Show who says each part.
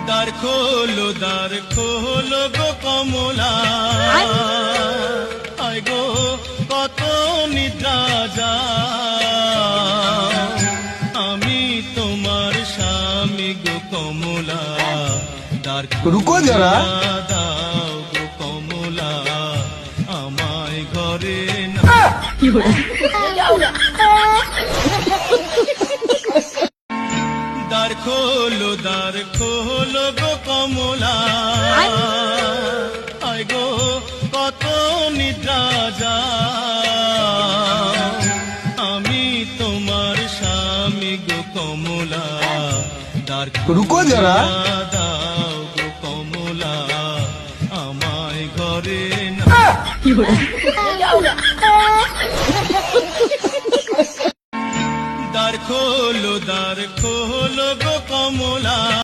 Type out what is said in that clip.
Speaker 1: দ্বার খোলো গো কমলা, আয় গো কত নিদ্রা যায়, আমি তোমার স্বামী গো কমলা, দ্বার
Speaker 2: রুকো যারা
Speaker 1: দাও গো কমলা, আমায় ঘরে না। দ্বার খোলো গো কমলা, আয় গো কত নিদ্রা যায়, আমি তোমার স্বামী গো কমলা, দ্বার
Speaker 2: রুকো যারা
Speaker 1: দাও গো কমলা, আমায় ঘরে না। দ্বার খোলো গো কমলা।